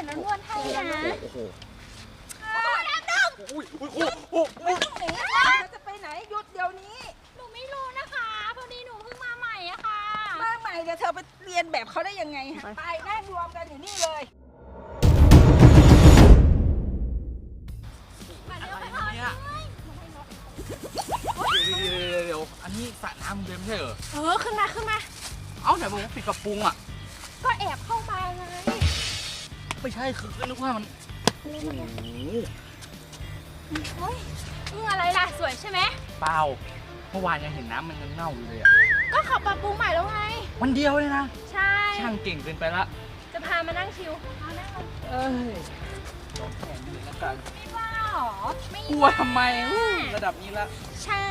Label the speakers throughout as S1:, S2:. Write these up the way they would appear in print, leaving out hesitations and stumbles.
S1: ยวน้ำนวดให้นะน้ำดง
S2: ไม่ต้องหนีจะไปไหนหยุดเดี๋ยวนี้
S1: หนูไม่รู้นะคะพอดีหนูเพิ่งมาใหม่อะค่ะ
S2: มาใหม่เดี๋ยวเธอไปเรียนแบบเขาได้ยังไงฮะไปนั่งรวมกันอยู่นี่เลย
S3: เดี๋ยวอันนี้สระน้ำเดิมไม่ใช่เหรอ
S1: ขึ้นมา
S3: เอ้าไหนบอกว่าปิดกระปุงอ่ะ
S1: ก็แอบเข้ามาไง
S3: ไม่ใช่คือนึกว่ามันโอ้โห
S1: อะไรล่ะสวยใช่ไหม
S3: เปล่าเมื่อวานยังเห็นน้ำมันยังเน่าอยู่เลยอ่ะ
S1: ก็ขับปรับปรุงใหม่แล้วไง
S3: วันเดียวเลยนะ
S1: ใช่
S3: ช่างเก่งเกินไปละ
S1: จะพามานั่งชิวมานั่งล
S3: องแข่งเลยแล้วกัน
S1: ไม่ว่าหรอไม่
S3: กลัวทำไมระดับนี้ละ
S1: ใช่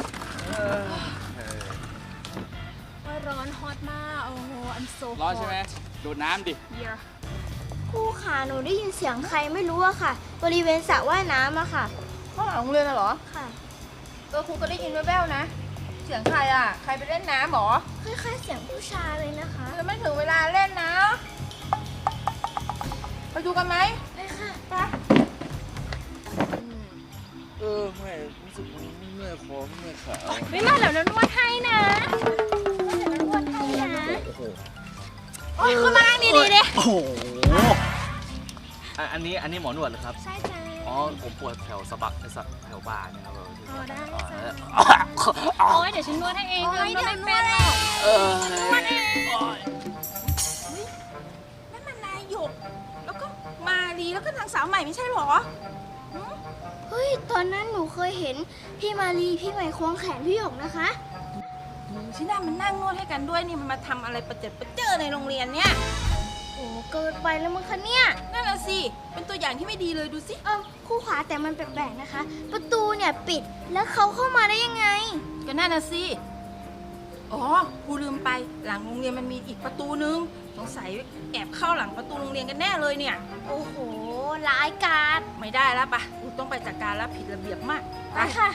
S1: ร้อนฮอตมากโอ้โหอันโซ
S3: ร้อนใช่ไหมโดดน้ำดิ
S4: ครูค่ะหนูได้ยินเสียงใครไม่รู้อะค่ะบริเวณสระว่ายน้ำอะค่ะ
S2: ข้างหลังโรงเรียนเหรอ
S4: ค่ะ
S2: ครูก็ได้ยินแว่วๆนะเสียงใครอ่ะใครไปเล่นน้ำหรอ
S4: คล้ายๆเสียงผู้ชายเลยนะคะ
S2: แล้วไม่ถึงเวลาเล่นนะไปดูกันไหม
S4: ไปค่ะ
S2: ไป
S3: ไม่รู้สึกเมื่อยคอเมื่อยขา
S1: ไม่มาแล้วนวดให้นะนวดให้นะโอ้ยคุณมานั่งดีๆดิ
S3: โอ้โหอันนี้หมอนวดเหรอครับ
S1: ใช่จ้ะ
S3: อ๋อผมปวดแถวสะบักแถวบ่าเนี่ยครับ
S1: ได้จ้ะโอ้ยเดี๋ยวฉันนวดให้เองเลยนวดไม่เป็นหรอกนวดเอง
S2: นั่นมันนายหยกแล้วก็มาลีแล้วก็นางสาวใหม่ไม่ใช่หรอ
S4: เฮ้ยตอนนั้นหนูเคยเห็นพี่มาลีพี่ใหม่ควงแขนพี่หยกนะคะ
S2: ชิน่ามันนั่งนวดให้กันด้วยนี่มันมาทำอะไรประเจิดในโรงเรียนเนี่ย
S4: โอ้เกินไปแล้วมั้งคะเนี่ย
S2: นั่นน่ะสิเป็นตัวอย่างที่ไม่ดีเลยดูสิ
S4: ครูขาแต่มันแปลกๆนะคะประตูเนี่ยปิดแล้วเขาเข้ามาได้ยังไง
S2: ก็นั่นน่ะสิอ๋อครูลืมไปหลังโรงเรียนมันมีอีกประตูนึงสงสัยแอบเข้าหลังประตูโรงเรียนกันแน่เลยเนี่ย
S4: โอ้โหร้ายกาจ
S2: ไม่ได้แล้วปะครูต้องไปจัดการแล้วผิดระเบียบมาก
S4: ไปค่ะ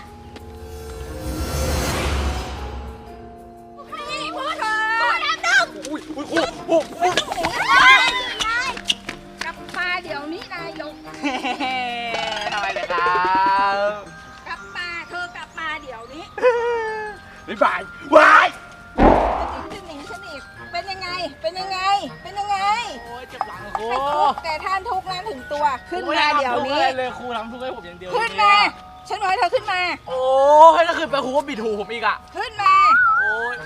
S2: กลับมาเดี๋ยวนี้นายก
S3: ทำไมเลยครับ
S2: กลับมาเธอกลับมาเดี๋ยวนี้
S3: บ๊ายบายวาย
S2: จะหนีฉันอีกเป็นยังไงโอ้
S3: ยเจ็บหลังครู
S2: แต่ท่านทุกนั้นถึงตัวขึ้นมาเดี๋ยวนี้
S3: เลยครูทำทุกให้ผมอย่างเดียว
S2: ขึ้นมาฉันบอกให้เธอขึ้นมา
S3: โอ้ยถ้าขึ้นไปครูก็บิดหูผมอีกอ่ะ
S2: ขึ้นมา
S3: โอ้ย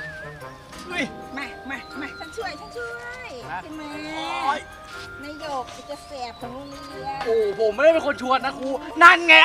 S2: มาฉันช่วยขึ้นมานายโยกจะแสบของโรงเรียน
S3: โอ้ผมไม่ได้เป็นคนชวนนะครูนั่นไง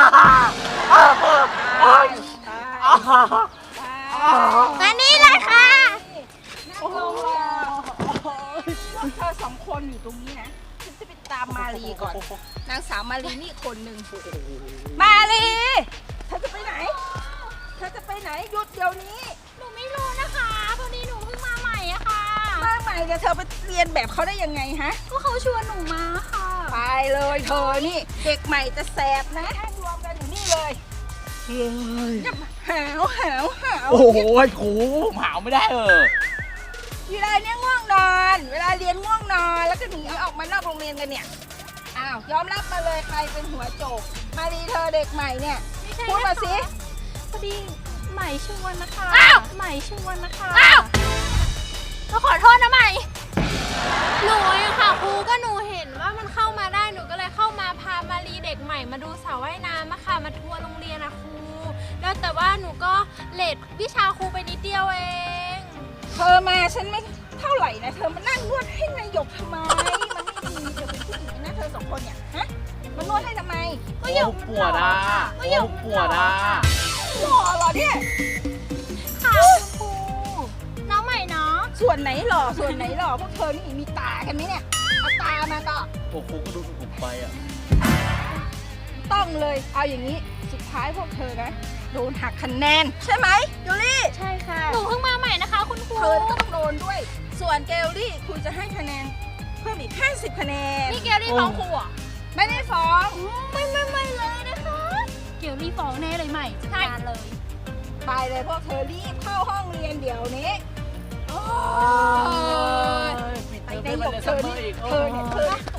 S4: อันนี้เลยค่ะ
S2: นั่งลงเธอสองคนอยู่ตรงนี้นะฉันจะไปตามมาลีก่อนนางสาวมาลีนี่คนหนึ่งมาลีเธอจะไปไหนหยุดเดี๋ยวนี้
S1: หนูไม่รู้นะคะพอดีหนูเพิ่งมาใหม่อะค่ะ
S2: มาใหม่เดี๋ยวเธอไปเรียนแบบเขาได้ยังไงฮะ
S1: ก็เขาชวนหนูมาค่ะ
S2: ไปเลยเธอนี่เด็กใหม่จะแสบนะให้รวมกันอยู่นี่เลยหาว
S3: โอ้โหครูหาวไม่ได้
S2: เวลาเนี่ยง่วงนอนเวลาเรียนง่วงนอนแล้วก็หนีออกมานอกโรงเรียนกันเนี่ยอ้าวยอมรับมาเลยใครเป็นหัวโจกมาดีเธอเด็กใหม่เนี่ยพูดมาสิ
S1: พอดีใหม่ชวนนะคะใหม่ชวนนะคะ
S4: ก็ขอโทษนะใหม่
S1: หนูอะค่ะครูก็หนูเห็นว่ามันเข้ามาได้หนูก็เลยเข้ามาพามารีเด็กใหม่มาดูสระว่ายน้ำอะค่ะมาทัวร์โรงเรียนอะครูแล้วแต่ว่าหนูก็เลทวิชาครูไปนิดเดียวเอง
S2: เธอมาฉันไม่เท่าไหร่นะเธอมานั่งนวดให้นายหยกทำไมมันไม่ดีเธอเป็นผู้หญิงนะเธอสองคนเนี่ยฮะมานวดให้ทำไม
S3: ก็หยกปวดอ่ะก็หยกปวดอ่ะ
S2: หล่อเหรอเนี่ย
S1: ค่ะครูน้องใหม่เนาะ
S2: ส่วนไหนหล่อพวกเธอนี่มีตากันไหมเนี่ยเอาตามาก็
S3: โอ้ครูก็ดูถูกไปอ่ะ
S2: ต้องเลยเอาอย่างนี้สุดท้ายพวกเธอนะโดนหักคะแนนใช่ไหมเกลลี่
S4: ใช่ค่ะ
S1: หนูเพิ่งมาใหม่นะคะคุณครู
S2: เธอก็ต้องโดนด้วยส่วนเกลลี่ครูจะให้คะแนนเพิ่มอีก50คะแนน
S1: นี่เกลลี่ฟ้องครูอ่ะ
S2: ไม่ได้ฟ้อง
S4: ไม่เลยนะคะ
S1: เกลลี่ฟ้องแน่เลยใหม่จัดการเลย
S2: ไปเลยพวกเธอรีบเข้าห้องเรียนเดี๋ยวนี้ไปในหยกเธอเนี่ยตัวร้าย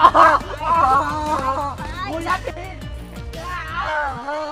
S3: คุณยัดที